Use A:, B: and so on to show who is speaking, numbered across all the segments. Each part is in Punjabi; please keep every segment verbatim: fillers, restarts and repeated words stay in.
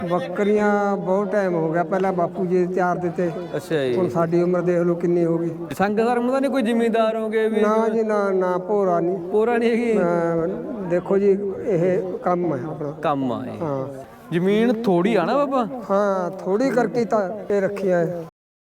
A: ਬੱਕਰੀਆਂ ਬਹੁਤ ਟਾਈਮ ਹੋ ਗਿਆ, ਪਹਿਲਾਂ ਬਾਪੂ ਜੀ ਚਾਰ ਦਿੱਤੇ।
B: ਅੱਛਾ ਜੀ।
A: ਹੁਣ ਸਾਡੀ ਉਮਰ ਦੇਖ ਲਓ ਕਿੰਨੀ ਹੋ ਗਈ।
B: ਸੰਗ ਧਰਮ ਦਾ ਨਹੀਂ ਕੋਈ ਜ਼ਿਮੀਂਦਾਰ ਹੋਗੇ ਵੀ?
A: ਨਾ ਜੀ ਨਾ ਨਾ, ਭੋਰਾ ਨਹੀਂ।
B: ਪੂਰਾ ਨਹੀਂ ਹੈਗੀ?
A: ਅਹ ਦੇਖੋ ਜੀ, ਇਹ ਕੰਮ ਹੈ ਆਪਣਾ।
B: ਕੰਮ ਆ ਇਹ।
A: ਹਾਂ
B: ਜ਼ਮੀਨ ਥੋੜੀ ਆ ਨਾ ਬਾਬਾ?
A: ਹਾਂ, ਥੋੜੀ ਕਰਕੇ ਤਾਂ ਇਹ ਰੱਖੀਆਂ ਹੈ।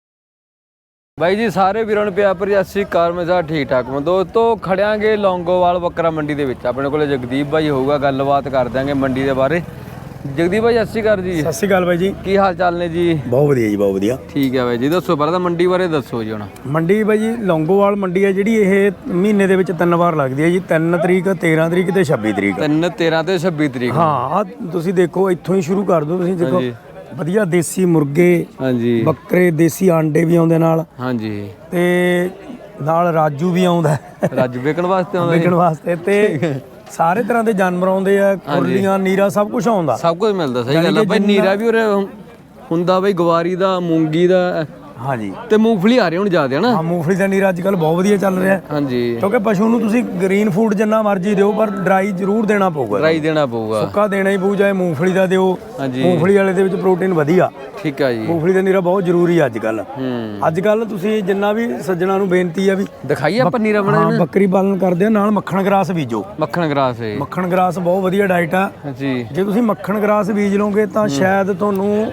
B: ਬਾਈ ਜੀ ਸਾਰੇ ਵੀਰਾਂ ਨੂੰ ਪਿਆਰ ਭਰੀ ਸਤਿ ਸ਼੍ਰੀ ਅਕਾਲ। ਮੈਂ ਸਾ ਠੀਕ ਠਾਕ ਮੈਂ ਦੋਸਤੋ ਖੜਿਆਂਗੇ ਲੌਂਗੋਵਾਲ ਬੱਕਰਾ ਮੰਡੀ ਦੇ ਵਿੱਚ। ਆਪਣੇ ਕੋਲ ਜਗਦੀਪ ਬਾਈ ਹੋਊਗਾ, ਗੱਲਬਾਤ ਕਰ ਦਿਆਂਗੇ ਮੰਡੀ ਦੇ ਬਾਰੇ। ਜਗਦੀਪ ਬਾਈ ਸਤਿ ਸ਼੍ਰੀ ਅਕਾਲ ਜੀ।
C: ਸਤਿ ਸ਼੍ਰੀ ਅਕਾਲ ਬਾਈ ਜੀ,
B: ਕੀ ਹਾਲ ਚਾਲ ਨੇ ਜੀ?
C: ਬਹੁਤ ਵਧੀਆ ਜੀ, ਬਹੁਤ ਵਧੀਆ।
B: ਠੀਕ ਹੈ ਬਾਈ ਜੀ, ਦੱਸੋ ਪਹਿਲਾਂ ਤਾਂ ਮੰਡੀ ਬਾਰੇ ਦੱਸੋ ਜੀ। ਹੁਣ
C: ਮੰਡੀ ਬਾਈ ਜੀ ਲੌਂਗੋਵਾਲ ਮੰਡੀ ਹੈ ਜਿਹੜੀ, ਇਹ ਮਹੀਨੇ ਦੇ ਵਿੱਚ ਤਿੰਨ ਵਾਰ ਲੱਗਦੀ ਹੈ ਜੀ। ਤਿੰਨ ਤਰੀਕ, ਤੇਰਾਂ ਤਰੀਕ ਤੇ ਛੱਬੀ ਤਰੀਕ।
B: ਤਿੰਨ ਤੇਰਾਂ ਤੇ ਛੱਬੀ ਤਰੀਕ।
C: ਹਾਂ ਆ ਤੁਸੀਂ ਦੇਖੋ, ਇੱਥੋਂ ਹੀ ਸ਼ੁਰੂ ਕਰ ਦਿਓ। ਤੁਸੀਂ ਦੇਖੋ
B: ਹਾਂਜੀ।
C: ਵਧੀਆ ਦੇਸੀ ਮੁਰਗੇ,
B: ਹਾਂਜੀ
C: ਬੱਕਰੇ, ਦੇਸੀ ਆਂਡੇ ਵੀ ਆਉਂਦੇ ਨਾਲ,
B: ਹਾਂਜੀ,
C: ਤੇ ਨਾਲ ਰਾਜੂ ਵੀ ਆਉਂਦਾ ਹੈ
B: ਰੱਜ ਵੇਚਣ ਵਾਸਤੇ ਆਉਂਦਾ
C: ਵਿਕਣ ਵਾਸਤੇ। ਤੇ ਸਾਰੇ ਤਰ੍ਹਾਂ ਦੇ ਜਾਨਵਰ ਆਉਂਦੇ ਆ, ਖੁਰਲੀਆਂ, ਨੀਰਾ, ਸਭ ਕੁਝ ਆਉਂਦਾ।
B: ਸਭ ਕੁਝ ਮਿਲਦਾ। ਸਹੀ ਗੱਲ ਹੈ ਬਾਈ। ਨੀਰਾ ਵੀ ਉਰੇ ਹੁੰਦਾ ਬਾਈ, ਗਵਾਰੀ ਦਾ, ਮੂੰਗੀ ਦਾ,
C: ਹਾਂਜੀ,
B: ਤੇ ਮੂੰਗਫਲੀ ਆ ਰਹੀ ਹੁਣ ਜ਼ਿਆਦਾ ਨਾ।
C: ਹਾਂ ਮੂੰਗਫਲੀ ਦਾ ਨੀਰਾ ਅੱਜ ਕੱਲ ਬਹੁਤ ਵਧੀਆ ਚੱਲ ਰਿਹਾ।
B: ਹਾਂਜੀ,
C: ਕਿਉਂਕਿ ਪਸ਼ੂ ਨੂੰ ਤੁਸੀਂ ਗ੍ਰੀਨ ਫੂਡ ਜਿੰਨਾ ਮਰਜ਼ੀ ਦਿਓ, ਪਰ ਡਰਾਈ ਜ਼ਰੂਰ ਦੇਣਾ ਪਊਗਾ।
B: ਡਰਾਈ ਦੇਣਾ ਪਊਗਾ।
C: ਸੁੱਕਾ ਦੇਣਾ ਹੀ ਪਊ, ਚਾਹੇ ਮੂੰਗਫਲੀ ਦਾ ਦਿਓ।
B: ਹਾਂਜੀ,
C: ਮੂੰਗਫਲੀ ਵਾਲੇ ਦੇ ਵਿੱਚ ਪ੍ਰੋਟੀਨ ਵਧੀਆ।
B: ਠੀਕ ਆ ਜੀ।
C: ਮੂੰਗਫਲੀ ਦਾ ਨੀਰਾ ਬਹੁਤ ਜ਼ਰੂਰੀ ਅੱਜ ਕੱਲ।
B: ਹੂੰ,
C: ਅੱਜ ਕੱਲ ਤੁਸੀਂ ਜਿੰਨਾ ਵੀ ਸੱਜਣਾ ਨੂੰ ਬੇਨਤੀ ਆ ਵੀ
B: ਦਿਖਾਈਏ ਆਪਾਂ ਨੀਰਾ ਬਣਾ
C: ਹਾਂ ਬੱਕਰੀ ਪਾਲਣ ਕਰਦੇ ਆ, ਨਾਲ ਮੱਖਣ ਗਰਾਸ ਬੀਜੋ।
B: ਮੱਖਣ ਗਰਾਸ ਹੈ।
C: ਮੱਖਣ ਗਰਾਸ ਬਹੁਤ ਵਧੀਆ ਡਾਈਟ ਆ
B: ਜੀ।
C: ਜੇ ਤੁਸੀਂ ਮੱਖਣ ਗਰਾਸ ਬੀਜ ਲਓਗੇ ਤਾਂ ਸ਼ਾਇਦ ਤੁਹਾਨੂੰ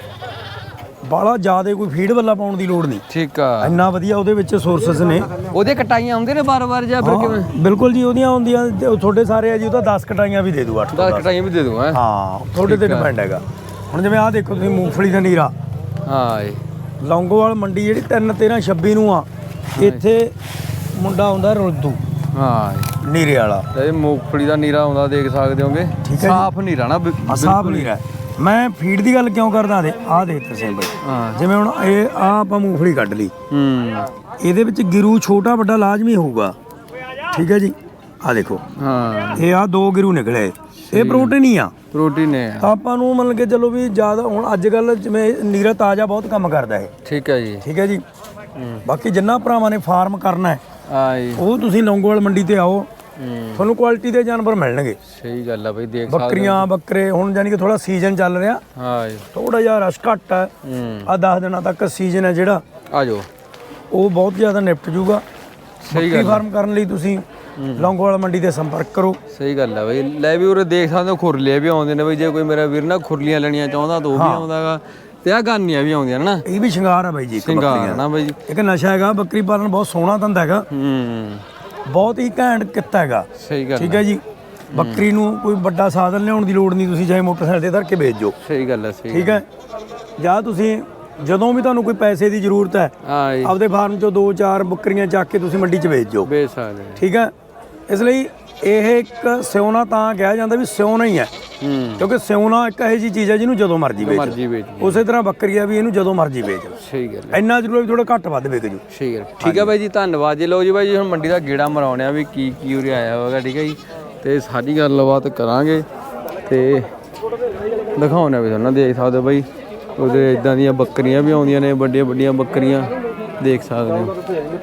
C: ਬਾਹਲਾ ਜ਼ਿਆਦਾ ਕੋਈ ਫੀਡ ਵੱਲਾ ਪਾਉਣ ਦੀ ਲੋੜ ਨਹੀਂ।
B: ਠੀਕ ਆ।
C: ਇੰਨਾ ਵਧੀਆ ਉਹਦੇ ਵਿੱਚ ਸੋਰਸਸ ਨੇ।
B: ਉਹਦੇ ਕਟਾਈਆਂ ਆਉਂਦੇ ਨੇ ਬਾਰ-ਬਾਰ ਜਾਂ ਫਿਰ ਕਿਵੇਂ?
C: ਬਿਲਕੁਲ ਜੀ, ਉਹਦੀਆਂ ਆਉਂਦੀਆਂ ਤੁਹਾਡੇ ਸਾਰੇ ਆ ਜੀ। ਉਹ ਤਾਂ ਦਸ ਕਟਾਈਆਂ ਵੀ ਦੇ ਦੂ, ਅੱਠ
B: ਦਸ ਕਟਾਈਆਂ ਵੀ ਦੇ ਦੂੰਗਾ।
C: ਹਾਂ ਤੁਹਾਡੇ ਤੇ ਡਿਪੈਂਡ ਹੈਗਾ। ਹੁਣ ਜਿਵੇਂ ਆਹ ਦੇਖੋ ਤੁਸੀਂ ਮੂੰਗਫਲੀ ਦਾ ਨੀਰਾ।
B: ਹਾਂ ਏ
C: ਲੌਂਗੋਵਾਲ ਮੰਡੀ ਜਿਹੜੀ ਤਿੰਨ ਤੇਰਾਂ ਛੱਬੀ ਨੂੰ ਆ, ਇੱਥੇ ਮੁੰਡਾ ਆਉਂਦਾ ਰੁਲਦੂ।
B: ਹਾਂ ਏ
C: ਨੀਰੇ ਵਾਲਾ।
B: ਇਹ ਮੂੰਗਫਲੀ ਦਾ ਨੀਰਾ ਆਉਂਦਾ, ਦੇਖ ਸਕਦੇ ਹੋਗੇ। ਸਾਫ਼ ਨੀਰਾ ਨਾ,
C: ਸਾਫ ਨੀਰਾ। ਮੈਂ ਫੀਡ ਦੀ ਗੱਲ ਕਿਉਂ ਕਰਦਾ? ਦੇ ਆਹ ਦੇਖ ਤੁਸੀਂ ਬਈ,
B: ਹਾਂ
C: ਜਿਵੇਂ ਹੁਣ ਇਹ ਆ ਆਪਾਂ ਮੂੰਗਫਲੀ ਕੱਢ ਲਈ,
B: ਹੂੰ,
C: ਇਹਦੇ ਵਿੱਚ ਗਿਰੂ ਛੋਟਾ ਵੱਡਾ ਲਾਜ਼ਮੀ ਹੋਊਗਾ। ਠੀਕ ਹੈ ਜੀ, ਆਹ ਦੇਖੋ।
B: ਹਾਂ
C: ਇਹ ਆ ਦੋ ਗਿਰੂ ਨਿਕਲੇ, ਇਹ ਪ੍ਰੋਟੀਨ ਹੀ ਆ,
B: ਪ੍ਰੋਟੀਨ ਹੈ।
C: ਤਾਂ ਆਪਾਂ ਨੂੰ ਮੰਨ ਕੇ ਚਲੋ ਵੀ ਜ਼ਿਆਦਾ। ਹੁਣ ਅੱਜ ਕੱਲ ਜਿਵੇਂ ਨੀਰਾ ਤਾਜ਼ਾ ਬਹੁਤ ਕੰਮ ਕਰਦਾ ਇਹ।
B: ਠੀਕ ਹੈ ਜੀ।
C: ਠੀਕ ਹੈ ਜੀ। ਬਾਕੀ ਜਿੰਨਾ ਭਰਾਵਾਂ ਨੇ ਫਾਰਮ ਕਰਨਾ ਹੈ,
B: ਆਏ
C: ਉਹ ਤੁਸੀਂ ਲੌਂਗੋਵਾਲ ਮੰਡੀ ਤੇ ਆਓ,
B: ਹੂੰ,
C: ਤੁਹਾਨੂੰ ਕੁਆਲਿਟੀ ਦੇ ਜਾਨਵਰ ਮਿਲਣਗੇ।
B: ਸਹੀ ਗੱਲ ਆ ਬਈ। ਦੇਖ ਸਕਦੇ
C: ਬੱਕਰੀਆਂ, ਬੱਕਰੇ। ਹੁਣ ਯਾਨੀ ਕਿ ਥੋੜਾ ਸੀਜ਼ਨ ਚੱਲ ਰਿਹਾ,
B: ਹਾਂ ਏ
C: ਥੋੜਾ ਜਿਹਾ ਰਸ਼ ਘੱਟ ਹੈ।
B: ਹੂੰ,
C: ਆ ਦਸ ਦਿਨਾਂ ਤੱਕ ਸੀਜ਼ਨ ਹੈ ਜਿਹੜਾ,
B: ਆ ਜਾਓ।
C: ਉਹ ਬਹੁਤ ਜ਼ਿਆਦਾ ਨਿਪਟ ਜੂਗਾ।
B: ਸਹੀ
C: ਬੱਕਰੀ ਫਾਰਮ ਕਰਨ ਲਈ ਤੁਸੀਂ ਲੌਂਗੋਵਾਲ ਮੰਡੀ ਤੇ ਸੰਪਰਕ ਕਰੋ।
B: ਸਹੀ ਗੱਲ ਆ ਬਈ। ਲੈ ਵੀ ਉਰੇ ਦੇਖ ਸਕਦੇ ਹੋ, ਖੁਰਲੀਆਂ ਵੀ ਆਉਂਦੇ ਨੇ ਬਈ। ਜੇ ਕੋਈ ਮੇਰਾ ਵੀਰ ਨਾ ਖੁਰਲੀਆਂ ਲੈਣੀਆਂ ਚਾਹੁੰਦਾ ਤਾਂ ਉਹ ਵੀ ਆਉਂਦਾਗਾ, ਤੇ ਆ ਗਾਨੀਆਂ ਵੀ ਆਉਂਦੀਆਂ ਨੇ ਨਾ।
C: ਇਹ ਵੀ ਸ਼ਿੰਗਾਰ ਆ ਬਾਈ ਜੀ, ਇੱਕ
B: ਸਿੰਗਾਰ ਨਾ ਬਈ।
C: ਇੱਕ ਨਸ਼ਾ ਹੈਗਾ। ਬੱਕਰੀ ਪਾਲਣ ਬਹੁਤ ਸੋਹਣਾ ਧੰਦਾ ਹੈਗਾ,
B: ਹੂੰ,
C: ਬਹੁਤ ਹੀ ਘੈਂਟ ਕਿੱਤਾ ਹੈਗਾ।
B: ਸਹੀ ਗੱਲ।
C: ਠੀਕ ਹੈ ਜੀ। ਬੱਕਰੀ ਨੂੰ ਕੋਈ ਵੱਡਾ ਸਾਧਨ ਲਿਆਉਣ ਦੀ ਲੋੜ ਨਹੀਂ, ਤੁਸੀਂ ਚਾਹੇ ਮੋਟਰਸਾਈਕਲ ਤੇ ਧਰ ਕੇ ਵੇਚ ਜੋ।
B: ਸਹੀ ਗੱਲ ਹੈ। ਸਹੀ
C: ਠੀਕ ਹੈ। ਜਾਂ ਤੁਸੀਂ ਜਦੋਂ ਵੀ ਤੁਹਾਨੂੰ ਕੋਈ ਪੈਸੇ ਦੀ ਜ਼ਰੂਰਤ ਹੈ,
B: ਹਾਂ ਜੀ,
C: ਆਪਦੇ ਫਾਰਮ ਚੋਂ ਦੋ ਚਾਰ ਬੱਕਰੀਆਂ ਚੱਕ ਕੇ ਤੁਸੀਂ ਮੰਡੀ 'ਚ ਵੇਚ ਜੋ।
B: ਵੇਚ ਸਕਦੇ।
C: ਠੀਕ ਹੈ। ਇਸ ਲਈ ਇਹ ਇੱਕ ਸਿਉਣਾ ਤਾਂ ਕਿਹਾ ਜਾਂਦਾ ਵੀ ਸਿਉਣਾ ਹੀ ਹੈ,
B: ਹੂੰ,
C: ਕਿਉਂਕਿ ਸਿਉਣਾ ਇੱਕ ਇਹੋ ਜਿਹੀ ਚੀਜ਼ ਹੈ ਜਿਹਨੂੰ ਜਦੋਂ ਮਰਜ਼ੀ ਵੇਚ।
B: ਮਰਜ਼ੀ ਵੇਚ।
C: ਉਸੇ ਤਰ੍ਹਾਂ ਬੱਕਰੀ ਆ ਵੀ, ਇਹਨੂੰ ਜਦੋਂ ਮਰਜ਼ੀ ਵੇਚ ਲਓ।
B: ਸਹੀ ਗੱਲ ਹੈ।
C: ਇੰਨਾ ਜ਼ਰੂਰ ਵੀ ਥੋੜਾ ਘੱਟ ਵੱਧ ਵੇਚ ਜੂ।
B: ਸਹੀ ਗੱਲ। ਠੀਕ ਹੈ ਬਾਈ ਜੀ, ਧੰਨਵਾਦ ਜੀ। ਲਓ ਜੀ ਬਾਈ ਜੀ, ਹੁਣ ਮੰਡੀ ਦਾ ਗੇੜਾ ਮਰਾਉਣੇ ਆ ਵੀ ਕੀ ਕੀ ਉਰੇ ਆਇਆ ਹੋਵੇਗਾ। ਠੀਕ ਹੈ ਜੀ, ਤੇ ਸਾਰੀ ਗੱਲਬਾਤ ਕਰਾਂਗੇ ਤੇ ਦਿਖਾਉਣੇ ਵੀ ਤੁਹਾਨੂੰ। ਦੇਖ ਸਕਦੇ ਹੋ ਬਾਈ, ਉਹਦੇ ਇਦਾਂ ਦੀਆਂ ਬੱਕਰੀਆਂ ਵੀ ਆਉਂਦੀਆਂ ਨੇ, ਵੱਡੀਆਂ ਵੱਡੀਆਂ ਬੱਕਰੀਆਂ ਦੇਖ ਸਕਦੇ ਹੋ,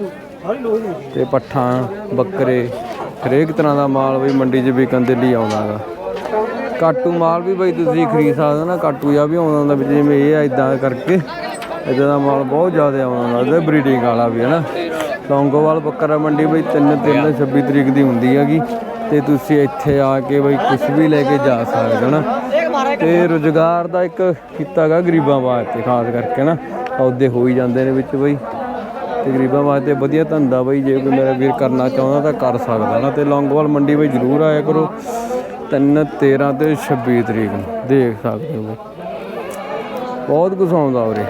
B: ਤੇ ਪੱਠਾਂ, ਬੱਕਰੇ, ਹਰੇਕ ਤਰ੍ਹਾਂ ਦਾ ਮਾਲ ਬਈ ਮੰਡੀ 'ਚ ਵਿਕਣ ਦੇ ਲਈ ਆਉਂਦਾ ਗਾ। ਕਾਟੂ ਮਾਲ ਵੀ ਬਈ ਤੁਸੀਂ ਖਰੀਦ ਸਕਦੇ ਹੋ ਨਾ। ਕਾਟੂ ਜਿਹਾ ਵੀ ਆਉਂਦਾ ਹੁੰਦਾ ਵਿੱਚ, ਜਿਵੇਂ ਇਹ ਆ ਇਦਾਂ ਕਰਕੇ। ਇੱਦਾਂ ਦਾ ਮਾਲ ਬਹੁਤ ਜ਼ਿਆਦਾ ਆਉਂਦਾ ਹੁੰਦਾ, ਬਰੀਡਿੰਗ ਵਾਲਾ ਵੀ ਹੈ ਨਾ। ਲੌਂਗੋਵਾਲ ਬੱਕਰਾ ਮੰਡੀ ਬਈ ਤਿੰਨ ਤਿੰਨ ਛੱਬੀ ਤਰੀਕ ਦੀ ਹੁੰਦੀ ਹੈਗੀ, ਤੇ ਤੁਸੀਂ ਇੱਥੇ ਆ ਕੇ ਬਈ ਕੁਛ ਵੀ ਲੈ ਕੇ ਜਾ ਸਕਦੇ ਹੋ ਨਾ। ਤੇ ਰੁਜ਼ਗਾਰ ਦਾ ਇੱਕ ਕੀਤਾ ਗਾ ਗਰੀਬਾਂ ਵਾਸਤੇ, ਖਾਸ ਕਰਕੇ ਨਾ ਸੌਦੇ ਹੋ ਹੀ ਜਾਂਦੇ ਨੇ ਵਿੱਚ ਬਈ, ਤੇ ਗਰੀਬਾਂ ਵਾਸਤੇ ਵਧੀਆ ਧੰਦਾ ਬਈ। ਜੇ ਕੋਈ ਮੇਰਾ ਵੀਰ ਕਰਨਾ ਚਾਹੁੰਦਾ ਤਾਂ ਕਰ ਸਕਦਾ ਨਾ। ਤੇ ਲੌਂਗੋਵਾਲ ਮੰਡੀ ਬਈ ਜ਼ਰੂਰ ਆਇਆ ਕਰੋ, ਤਿੰਨ ਤੇਰਾਂ ਤੇ ਛੱਬੀ ਤਰੀਕ ਨੂੰ। ਦੇਖ ਸਕਦੇ ਹੋ ਬਈ ਬਹੁਤ ਕੁਛ ਆਉਂਦਾ ਉਰੇ,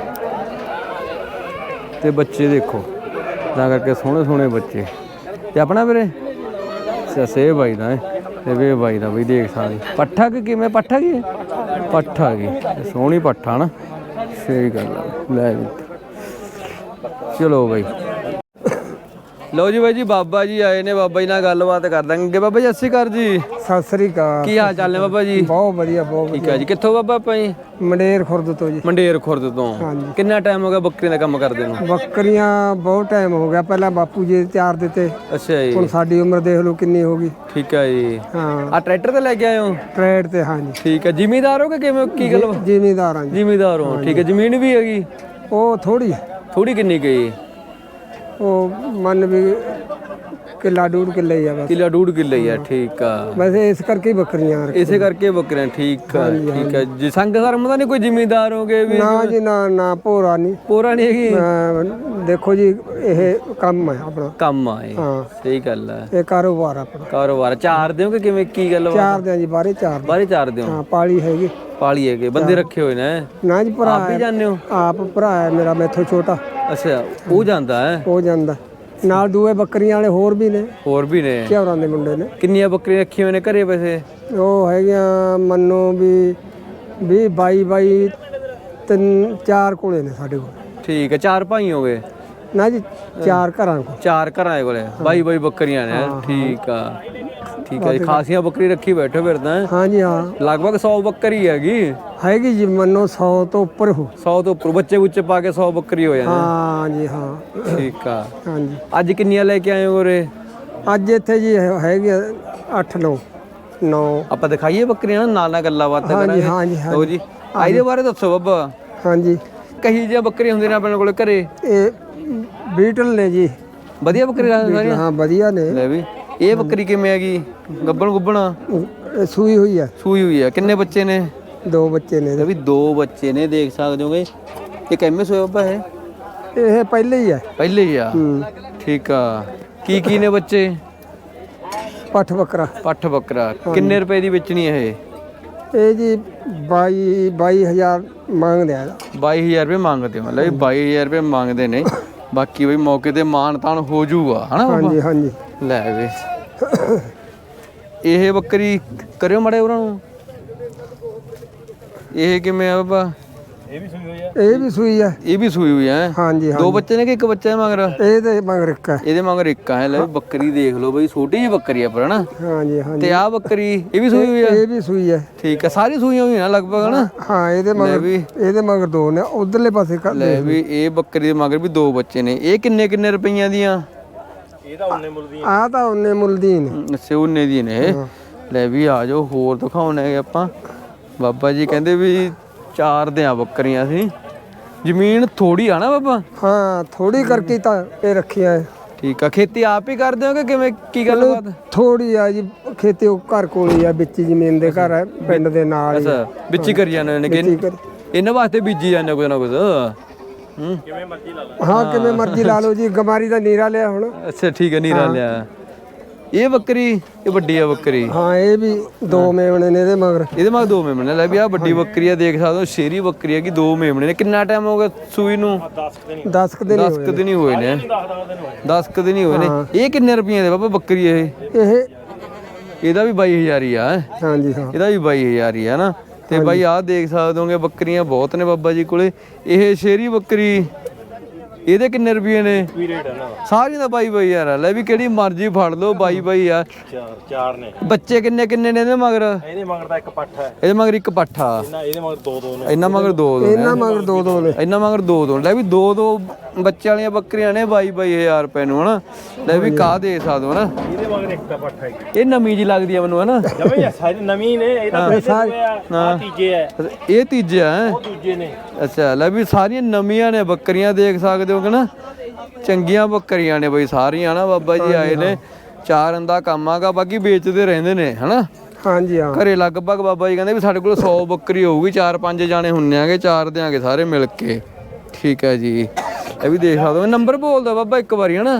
B: ਤੇ ਬੱਚੇ ਦੇਖੋ ਤਾਂ ਕਰਕੇ ਸੋਹਣੇ ਸੋਹਣੇ ਬੱਚੇ। ਤੇ ਆਪਣਾ ਵੀਰੇ ਸਸੇ ਬਾਈ ਦਾ ਤੇ ਵੇ ਬਾਈ ਦਾ ਬਈ ਦੇਖ ਸਕਦੇ। ਪੱਠਾ ਕਿ ਕਿਵੇਂ? ਪੱਠਾ ਕੀ ਪੱਠਾ ਕੀ ਸੋਹਣੀ ਪੱਠਾ ਨਾ। ਸਹੀ ਗੱਲ ਆ। ਲੈ ਵੀ ਚਲੋ ਬਾਈ, ਲਓ ਜੀ ਬਾਈ ਜੀ ਬਾਬਾ ਜੀ ਆਏ ਨੇ, ਬਾਬਾ ਜੀ ਨਾਲ ਗੱਲਬਾਤ ਕਰ ਦਾਂਗੇ। ਬਾਬਾ ਜੀ ਸਤਿ ਸ਼੍ਰੀ ਅਕਾਲ ਜੀ।
A: ਸਤਿ ਸ੍ਰੀ ਅਕਾਲ।
B: ਕੀ ਹਾਲ ਚਾਲ ਨੇ ਬਾਬਾ ਜੀ?
A: ਬਹੁਤ ਵਧੀਆ ਬਹੁਤ
B: ਠੀਕ ਹੈ ਜੀ। ਕਿੱਥੋਂ ਬਾਬਾ ਆਪਾਂ ਜੀ?
A: ਮੰਡੇਰ ਖੁਰਦ ਤੋਂ ਜੀ।
B: ਮੰਡੇਰ ਖੁਰਦ ਤੋਂ।
A: ਹਾਂਜੀ।
B: ਕਿੰਨਾ ਟਾਈਮ ਹੋ ਗਿਆ ਬੱਕਰੀਆਂ ਦਾ ਕੰਮ ਕਰਦੇ ਨੂੰ?
A: ਬੱਕਰੀਆਂ ਬਹੁਤ ਟਾਈਮ ਹੋ ਗਿਆ, ਪਹਿਲਾਂ ਬਾਪੂ ਜੀ ਚਾਰ ਦਿੱਤੇ,
B: ਅੱਛਾ ਜੀ।
A: ਹੁਣ ਸਾਡੀ ਉਮਰ ਦੇਖ ਲਓ ਕਿੰਨੀ ਹੋ ਗਈ।
B: ਠੀਕ ਹੈ ਜੀ।
A: ਹਾਂ
B: ਆ ਟਰੈਕਟਰ ਤੇ ਲੈ ਕੇ ਆਏ ਹੋ?
A: ਟਰੈਡ ਤੇ ਹਾਂਜੀ।
B: ਠੀਕ ਹੈ। ਜ਼ਿਮੀਦਾਰ ਹੋ ਕਿ ਕਿਵੇਂ, ਕੀ ਗੱਲ?
A: ਜ਼ਿਮੀਦਾਰ ਹਾਂ ਜੀ।
B: ਜ਼ਿਮੀਦਾਰ ਹੋ, ਠੀਕ ਹੈ। ਜ਼ਮੀਨ ਵੀ ਹੈਗੀ?
A: ਉਹ ਥੋੜੀ
B: ਥੋੜੀ ਕਿੰਨੀ ਗਈ?
A: ਉਹ ਮੰਨ ਵੀ ਕਿੱਲਾ ਡੂਢ ਕਿੱਲੇ ਹੀ ਆ ਬਸ।
B: ਕਿੱਲਾ ਡੂਢ ਕਿੱਲੇ ਹੀ ਆ, ਠੀਕ ਆ।
A: ਵੈਸੇ ਇਸ ਕਰਕੇ ਹੀ ਬੱਕਰੀਆਂ ਰੱਖੀਆਂ।
B: ਇਸੇ ਕਰਕੇ ਬੱਕਰੀਆਂ, ਠੀਕ ਆ ਠੀਕ ਆ ਜੀ। ਸੰਗ ਧਰਮ ਦਾ ਨਹੀਂ ਕੋਈ ਜ਼ਿਮੀਦਾਰ ਹੋਗੇ ਵੀ?
A: ਨਾ ਜੀ ਨਾ ਨਾ, ਭੋਰਾ ਨਹੀਂ
B: ਪੂਰਾ ਨਹੀਂ ਹੈਗੀ।
A: ਅਹ ਦੇਖੋ ਜੀ ਇਹ ਕੰਮ ਹੈ ਆਪਣਾ।
B: ਕੰਮ ਆ ਇਹ,
A: ਹਾਂ
B: ਸਹੀ ਗੱਲ ਆ।
A: ਇਹ ਕਾਰੋਬਾਰ ਆਪਣਾ।
B: ਕਾਰੋਬਾਰ ਚਾਰ ਦਿਓ ਕਿ ਕਿਵੇਂ, ਕੀ ਗੱਲ?
A: ਚਾਰ ਦਿਆਂ ਜੀ, ਬਾਰੇ ਚਾਰ ਦਿਆਂ।
B: ਬਾਰੇ ਚਾਰ ਦਿਓ?
A: ਹਾਂ ਪਾਲੀ ਹੈਗੀ।
B: ਪਾਲੀ ਹੈਗੇ, ਬੰਦੇ ਰੱਖੇ ਹੋਏ ਨੇ?
A: ਨਾ ਜੀ ਭਰਾ
B: ਆਪ ਵੀ ਜਾਂਦੇ ਹੋ?
A: ਆਪ ਭਰਾ ਹੈ ਮੇਰਾ, ਮੈਥੋਂ ਛੋਟਾ।
B: ਅੱਛਾ, ਉਹ ਜਾਂਦਾ ਹੈ?
A: ਉਹ ਜਾਂਦਾ ਨਾਲ। ਦੂਏ ਬੱਕਰੀਆਂ ਵਾਲੇ ਹੋਰ ਵੀ ਨੇ,
B: ਹੋਰ ਵੀ ਨੇ?
A: ਘਿਓਰਾਂ ਦੇ ਮੁੰਡੇ ਨੇ।
B: ਕਿੰਨੀਆਂ ਬੱਕਰੀਆਂ ਰੱਖੀਆਂ ਹੋਏ ਨੇ ਘਰੇ ਵੈਸੇ?
A: ਉਹ ਹੈਗੀਆਂ ਮੰਨੋ ਵੀ ਵੀਹ ਬਾਈ ਬਾਈ ਤਿੰਨ ਚਾਰ ਕੋਲੇ ਨੇ ਸਾਡੇ ਕੋਲ।
B: ਠੀਕ ਹੈ। ਚਾਰ ਭਾਈ ਹੋ ਗਏ?
A: ਨਾ ਜੀ ਚਾਰ ਘਰਾਂ ਕੋਲ।
B: ਚਾਰ ਘਰਾਂ ਦੇ ਕੋਲੇ ਬਾਈ ਬਾਈ ਬੱਕਰੀਆਂ ਨੇ? ਠੀਕ ਆ ਠੀਕ ਹੈ ਜੀ। ਖਾਸੀਆਂ ਬੱਕਰੀ ਰੱਖੀ ਬੈਠੋ ਫਿਰ ਤਾਂ।
A: ਹਾਂਜੀ ਹਾਂ,
B: ਲਗਭਗ ਸੌ ਬੱਕਰੀ ਹੈਗੀ।
A: ਹੈਗੀ ਜੀ ਮੰਨੋ ਸੌ ਤੋਂ ਉੱਪਰ ਹੋ।
B: ਸੌ ਤੋਂ ਉੱਪਰ ਬੱਚੇ ਬੁੱਚੇ ਪਾ ਕੇ ਸੌ ਬੱਕਰੀ ਹੋ ਜਾਂਦੀ।
A: ਹਾਂ ਜੀ ਹਾਂ।
B: ਠੀਕ ਆ।
A: ਹਾਂਜੀ।
B: ਅੱਜ ਕਿੰਨੀਆਂ ਲੈ ਕੇ ਆਏ ਹੋ ਉਰੇ?
A: ਅੱਜ ਇੱਥੇ ਜੀ ਹੈਗੇ ਅੱਠ ਨੌ ਨੌ।
B: ਆਪਾਂ ਦਿਖਾਈਏ ਬੱਕਰੀਆਂ, ਨਾਲ ਨਾਲ ਗੱਲਾਂ ਬਾਤਾਂ
A: ਹਾਂਜੀ
B: ਕਰਾਂਗੇ।
A: ਹਾਂਜੀ
B: ਲਓ ਜੀ, ਆ ਇਹਦੇ ਬਾਰੇ ਦੱਸੋ ਬਾਬਾ।
A: ਹਾਂਜੀ।
B: ਕਹੀ ਜਿਹੀਆਂ ਬੱਕਰੀਆਂ ਹੁੰਦੀਆਂ ਨੇ ਆਪਣੇ ਕੋਲ ਘਰੇ?
A: ਇਹ ਬੀਟਲ ਨੇ ਜੀ।
B: ਵਧੀਆ ਬੱਕਰੀਆਂ ਸਾਰੀਆਂ?
A: ਹਾਂ ਵਧੀਆ ਨੇ।
B: ਲੈ ਵੀ, ਇਹ ਬੱਕਰੀ ਕਿਵੇਂ ਹੈਗੀ? ਗੱਬਣ ਗੁੱਬਣਾ?
A: ਇਹ ਸੂਈ ਹੋਈ ਹੈ।
B: ਸੂਈ ਹੋਈ ਹੈ। ਕਿੰਨੇ ਬੱਚੇ ਨੇ?
A: ਦੋ ਬੱਚੇ ਨੇ
B: ਲੈ ਵੀ, ਦੋ ਬੱਚੇ ਨੇ, ਦੇਖ ਸਕਦੇ ਹੋਗੇ। ਇਹ ਕਿੰਨੇ ਸੋਏ ਬਾਬਾ ਹੈ?
A: ਇਹ ਪਹਿਲੇ ਹੀ ਹੈ।
B: ਪਹਿਲੇ ਹੀ ਆ?
A: ਹੂੰ।
B: ਠੀਕ ਆ। ਕੀ ਕੀ ਨੇ ਬੱਚੇ?
A: ਪੱਠ ਬੱਕਰਾ।
B: ਪੱਠ ਬੱਕਰਾ। ਕਿੰਨੇ ਰੁਪਏ ਦੀ ਵੇਚਣੀ ਇਹ?
A: ਇਹ ਜੀ ਬਾਈ ਬਾਈ ਹਜ਼ਾਰ ਮੰਗਦੇ ਆ।
B: ਬਾਈ ਹਜ਼ਾਰ ਰੁਪਏ ਮੰਗਦੇ ਹੋ? ਲੈ ਵੀ ਬਾਈ ਹਜ਼ਾਰ ਰੁਪਏ ਮੰਗਦੇ ਨੇ। ਬਾਕੀ ਬਈ ਮੌਕੇ ਤੇ ਮਾਨ ਤਾਨ ਹੋ ਜਾਊਗਾ, ਹਨਾ ਬਾਬਾ?
A: ਹਾਂਜੀ ਹਾਂਜੀ।
B: ਲੈ ਵੇ, ਇਹ ਬੱਕਰੀ ਕਰਿਓ ਮੜੇ ਉਹਨਾਂ ਨੂੰ। ਇਹ ਕਿਵੇਂ ਆ ਬਾਬਾ?
C: ਇਹ ਵੀ ਸੂਈ ਹੋਈ ਆ।
A: ਇਹ ਵੀ ਸੂਈ ਹੈ।
B: ਇਹ ਵੀ ਸੂਈ ਹੋਈ ਹੈ?
A: ਹਾਂਜੀ ਹਾਂ।
B: ਦੋ ਬੱਚੇ ਨੇ ਕਿ ਇੱਕ ਬੱਚਾ ਹੈ ਮਗਰ?
A: ਇਹ ਤੇ ਮਗਰ ਇੱਕ ਹੈ।
B: ਇਹਦੇ ਮਗਰ ਇੱਕ ਹੈ। ਲੈ ਵੀ, ਬੱਕਰੀ ਦੇਖ ਲਓ ਬਈ, ਛੋਟੀ ਜਿਹੀ ਬੱਕਰੀ ਆ ਪਰ, ਹਨਾ?
A: ਹਾਂਜੀ ਹਾਂਜੀ।
B: ਤੇ ਆਹ ਬੱਕਰੀ ਇਹ ਵੀ ਸੂਈ ਹੋਈ ਆ?
A: ਇਹ ਵੀ ਸੂਈ ਹੈ।
B: ਠੀਕ ਹੈ। ਸਾਰੀ ਸੂਈਆਂ ਹੋਈਆਂ ਲਗਭਗ, ਹਨਾ?
A: ਹਾਂ ਇਹਦੇ ਮਗਰ ਇਹਦੇ ਮਗਰ ਦੋ ਨੇ, ਉਧਰਲੇ ਪਾਸੇ ਕਰ।
B: ਲੈ ਵੀ, ਇਹ ਬੱਕਰੀ ਦੇ ਮਗਰ ਵੀ ਦੋ ਬੱਚੇ ਨੇ। ਇਹ ਕਿੰਨੇ ਕਿੰਨੇ ਰੁਪਈਆਂ ਦੀਆਂ?
C: ਇਹ ਤਾਂ ਉਹਨੇ ਮੁੱਲ ਦੀਆਂ।
A: ਆਹ ਤਾਂ ਉਹਨੇ ਮੁੱਲ ਦੀ ਨੇ।
B: ਅੱਛਾ, ਉਹਨੇ ਦੀ ਨੇ ਇਹ। ਲੈ ਵੀ ਆ ਜਾਓ, ਹੋਰ ਦਿਖਾਉਣੇ ਆਪਾਂ। ਬਾਬਾ ਜੀ ਕਹਿੰਦੇ ਵੀ ਚਾਰ ਦਿਆਂ ਬੱਕਰੀਆਂ ਸੀ। ਜ਼ਮੀਨ ਥੋੜੀ ਆ ਨਾ ਬਾਬਾ?
A: ਹਾਂ ਥੋੜੀ ਕਰਕੇ ਤਾਂ ਇਹ ਰੱਖੀਆਂ ਹੈ।
B: ਠੀਕ ਆ। ਖੇਤੀ ਆਪ ਹੀ ਕਰਦੇ ਹੋ ਕਿ ਕਿਵੇਂ, ਕੀ ਗੱਲਬਾਤ?
A: ਥੋੜੀ ਆ ਜੀ ਖੇਤੀ, ਉਹ ਘਰ ਕੋਲ ਹੀ ਆ, ਵਿੱਚ ਜ਼ਮੀਨ ਦੇ ਘਰ ਹੈ, ਪਿੰਡ ਦੇ ਨਾਲ ਹੀ।
B: ਅੱਛਾ, ਵਿੱਚ ਹੀ ਕਰੀ ਜਾਂਦੇ ਨੇ ਕਿ ਇਹਨਾਂ ਵਾਸਤੇ ਬੀਜੀ ਜਾਂਦੇ ਕੁਝ ਨਾ ਕੁਝ? ਹੂੰ,
C: ਕਿਵੇਂ ਮਰਜ਼ੀ ਲਾ ਲਓ।
A: ਹਾਂ ਕਿਵੇਂ ਮਰਜ਼ੀ ਲਾ ਲਓ ਜੀ। ਗਮਾਰੀ ਦਾ ਨੀਰਾ ਲਿਆ ਹੁਣ।
B: ਅੱਛਾ ਠੀਕ ਹੈ, ਨੀਰਾ ਲਿਆ। ਇਹ ਬੱਕਰੀ, ਇਹ ਵੱਡੀ ਆ ਬੱਕਰੀ?
A: ਹਾਂ ਇਹ ਵੀ ਦੋ ਮੇਮਣੇ ਨੇ ਇਹਦੇ ਮਗਰ।
B: ਇਹਦੇ ਮਗਰ ਦੋ ਮੇਮਣੇ? ਲੈ ਵੀ, ਆ ਵੱਡੀ ਬੱਕਰੀ ਆ, ਦੇਖ ਸਕਦੇ ਹੋ, ਸ਼ੇਰੀ ਬੱਕਰੀ ਹੈ ਕਿ ਦੋ ਮੇਮਣੇ ਨੇ। ਕਿੰਨਾ ਟਾਈਮ ਹੋ ਗਿਆ ਸੂਈ ਨੂੰ?
A: ਦਸ ਕੁ ਦਿਨ
B: ਦਸ ਕੁ ਦਿਨ ਹੀ ਹੋਏ ਨੇ। ਦਸ ਕੁ ਦਿਨ ਹੀ ਹੋਏ ਨੇ। ਇਹ ਕਿੰਨੇ ਰੁਪਈਏ ਦੇ ਬਾਬਾ ਬੱਕਰੀ ਇਹ?
A: ਇਹ
B: ਇਹਦਾ ਵੀ ਬਾਈ ਹਜ਼ਾਰ ਹੀ ਆ?
A: ਹਾਂਜੀ ਹਾਂ
B: ਇਹਦਾ ਵੀ ਬਾਈ ਹਜ਼ਾਰ ਹੀ ਆ ਨਾ। ਤੇ ਬਾਈ ਆਹ ਦੇਖ ਸਕਦੇ ਹੋਗੇ, ਬੱਕਰੀਆਂ ਬਹੁਤ ਨੇ ਬਾਬਾ ਜੀ ਕੋਲੇ। ਇਹ ਸ਼ੇਰੀ ਬੱਕਰੀ, ਇਹਦੇ ਕਿੰਨੇ ਰੁਪਏ ਨੇ? ਸਾਰੀਆਂ ਦਾ ਬਾਈ ਬਾਈ ਯਾਰ। ਲੈ ਵੀ, ਕਿਹੜੀ ਮਰਜ਼ੀ ਫੜ ਲਓ, ਬਾਈ ਬਾਈ ਆ।
C: ਚਾਰ ਚਾਰ ਨੇ।
B: ਬੱਚੇ ਕਿੰਨੇ ਕਿੰਨੇ ਨੇ ਇਹਦੇ ਮਗਰ?
C: ਇਹਦੇ ਮਗਰ ਤਾਂ ਇੱਕ ਪੱਠ ਹੈ।
B: ਇਹਦੇ ਮਗਰ ਇੱਕ ਪੱਠਾ।
C: ਇਹਦੇ ਮਗਰ ਦੋ ਦੋ ਨੇ।
B: ਇਹਨਾਂ ਮਗਰ ਦੋ ਦੋ ਨੇ।
A: ਇਹਨਾਂ ਮਗਰ ਦੋ ਦੋ ਨੇ।
B: ਇਹਨਾਂ ਮਗਰ ਦੋ ਦੋ। ਲੈ ਵੀ, ਦੋ ਦੋ ਬੱਚੇ ਵਾਲੀਆਂ ਬੱਕਰੀਆਂ ਨੇ ਬਾਈ ਬਾਈ ਹਜ਼ਾਰ ਰੁਪਏ ਨੂੰ, ਹਨਾ? ਲੈ ਵੀ, ਕਾਹ ਦੇ ਸਕਦੇ ਹੋ, ਹਨਾ?
C: ਇਹਦੇ ਮਗਰ ਇੱਕ ਪੱਠ ਹੈ।
B: ਇਹ ਨਵੀਂ ਜੀ ਲੱਗਦੀ ਆ ਮੈਨੂੰ, ਹਨਾ?
C: ਜਮੇ ਸਾਰੀ ਨਵੀਂ ਨੇ। ਇਹ ਤਾਂ ਪਹਿਲੇ ਆ, ਤੀਜੇ ਹੈ।
B: ਇਹ ਤੀਜੇ ਆ?
C: ਉਹ ਦੂਜੇ ਨੇ।
B: ਅੱਛਾ। ਲੈ ਵੀ, ਸਾਰੀਆਂ ਨਵੀਆਂ ਨੇ ਬੱਕਰੀਆਂ, ਦੇਖ ਸਕਦੇ ਹੋ ਕਿ ਨਾ? ਚੰਗੀਆਂ ਬੱਕਰੀਆਂ ਨੇ ਬਈ ਸਾਰੀਆਂ, ਨਾ? ਬਾਬਾ ਜੀ ਆਏ ਨੇ, ਚਾਰ ਦਾ ਕੰਮ ਆਗਾ, ਬਾਕੀ ਵੇਚਦੇ ਰਹਿੰਦੇ ਨੇ, ਹਨਾ?
A: ਹਾਂਜੀ ਹਾਂ।
B: ਘਰੇ ਲਗਭਗ ਬਾਬਾ ਜੀ ਕਹਿੰਦੇ ਵੀ ਸਾਡੇ ਕੋਲ ਸੌ ਬੱਕਰੀ ਹੋਊਗੀ, ਚਾਰ ਪੰਜ ਜਾਣੇ ਹੁੰਨੇ ਆਗੇ, ਚਾਰ ਦਿਆਂਗੇ ਸਾਰੇ ਮਿਲ ਕੇ। ਠੀਕ ਹੈ ਜੀ। ਇਹ ਵੀ ਦੇਖ ਸਕਦੇ ਹੋ। ਨੰਬਰ ਬੋਲਦਾ ਬਾਬਾ ਇੱਕ ਵਾਰੀ, ਹਨਾ?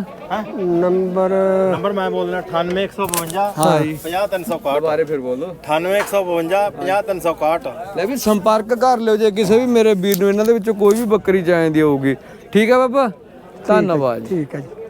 A: ਨੰਬਰ
C: ਨੰਬਰ ਮੈਂ ਬੋਲਣਾ ਅਠਾਨਵੇਂ ਇੱਕ ਸੌ ਬਵੰਜਾ ਪੰਜਾਹ ਤਿੰਨ ਸੌ ਇਕਾਹਠ।
B: ਬਾਰੇ ਫਿਰ ਬੋਲੋ।
C: ਅਠਾਨਵੇਂ ਇੱਕ ਸੌ ਬਵੰਜਾ ਪੰਜਾਹ ਤਿੰਨ ਸੌ ਇਕਾਹਠ।
B: ਲੈ ਵੀ, ਸੰਪਰਕ ਕਰ ਲਿਓ ਜੇ ਕਿਸੇ ਵੀ ਮੇਰੇ ਵੀਰ ਨੂੰ ਇਹਨਾਂ ਦੇ ਵਿੱਚੋਂ ਕੋਈ ਵੀ ਬੱਕਰੀ ਚਾਹੀਦੀ ਹੋਊਗੀ। ਠੀਕ ਹੈ ਬਾਬਾ, ਧੰਨਵਾਦ।
A: ਠੀਕ ਹੈ ਜੀ।